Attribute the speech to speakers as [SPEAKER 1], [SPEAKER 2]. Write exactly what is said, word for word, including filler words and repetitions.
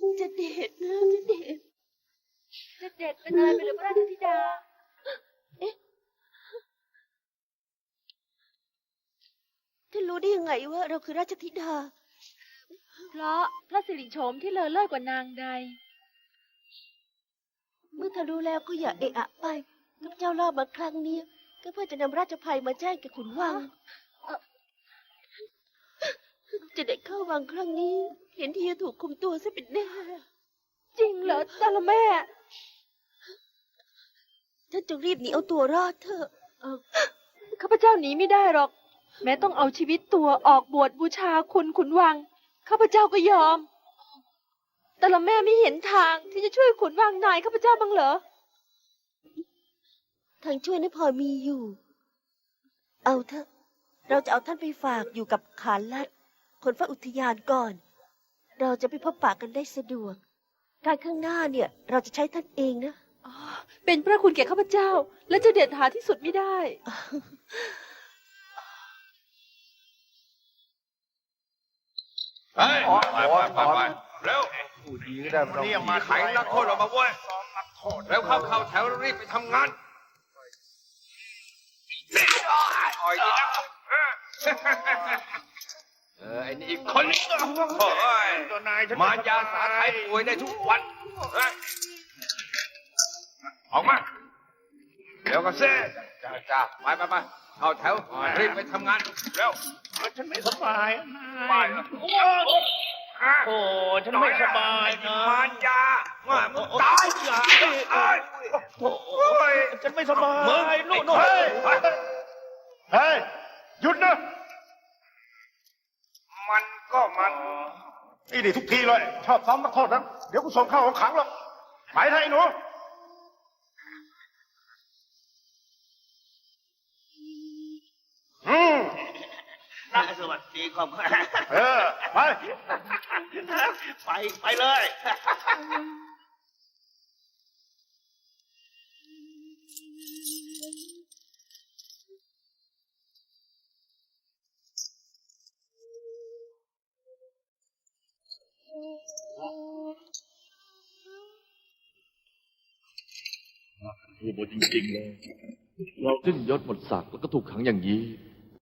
[SPEAKER 1] จะเด็ดนะจะเด็ด
[SPEAKER 2] จะเด็ดเป็นอะไรไปหรือพระราชธิดา
[SPEAKER 1] เอ๊ะท่านรู้ได้ยังไงว่าเราคือราชธิดา
[SPEAKER 2] เพราะพระสิริโฉมที่เลอเลิศกว่านางใด
[SPEAKER 1] เมื่อท่านรู้แล้วก็อย่าเอะอะไปข้าพเจ้ารอบมาครั้งนี้ก็เพื่อจะนำราชภัยมาแจ้งแก่ขุนวังจะได้เข้าวังครั้งนี้ เห็นทีจะถูกคุมตัวซะเป็นแน่
[SPEAKER 2] จริงเหรอตาละแม่
[SPEAKER 1] ท่านจงรีบหนีเอาตัวรอดเถอะ
[SPEAKER 2] ข้าพเจ้าหนีไม่ได้หรอกแม้ต้องเอาชีวิตตัวออกบวชบูชาคุณขุนวังข้าพเจ้าก็ยอมแต่ละแม่ไม่เห็นทางที่จะช่วยขุนวังนายข้าพเจ้าบ้างเหรอ
[SPEAKER 1] ทางช่วยนั้นพอมีอยู่เอาเถอะเราจะเอาท่านไปฝากอยู่กับขานลัดคนฝ่าอุทยานก่อนเราจะไปพบปะกันได้สะดวกการข้างหน้าเนี่ยเราจะใช้ท่านเองนะ
[SPEAKER 2] เป็นพระคุณแก่ข้าพเจ้าและจะเด็ดหาที่สุดไม่ได้
[SPEAKER 3] ไปไปไปไปเร็วนี่ยังมาไขนักโทษออกมาเว้ยเร็วเข้าเข้าแถวรีบไปทำงานอ่อยดีนะเออไอ้นี่อีกคนนึงโอ้ยมายาสาไทยป่วยได้ทุกวันออกมาเดี๋ยวก็เซ่จ้าจ้าไปไปไปเข้าแถวรีบไปทำงานเร็ว
[SPEAKER 4] ฉันไม่สบาย
[SPEAKER 3] ไป
[SPEAKER 4] โอ้ฉันไม่สบายนะ
[SPEAKER 3] มายาว่ามึงตายอย่า
[SPEAKER 4] โอ้ยฉันไม่สบาย
[SPEAKER 3] มึง
[SPEAKER 4] นู่นเฮ้ยเฮ้ยหยุดนะ
[SPEAKER 3] มันก็มัน
[SPEAKER 4] นี่ดิทุกทีเลยชอบซ้อมนักโทษนะเดี๋ยวกูส่งเข้าของขังหรอกไปไทยหนูอืม
[SPEAKER 5] น่าสวัสดีครับ
[SPEAKER 4] เออไป
[SPEAKER 5] ไปไปเลย
[SPEAKER 6] โอ้โหจริงๆเลยเราสิ้นยศหมดศักดิ์แล้วก็ถูกขังอย่างนี้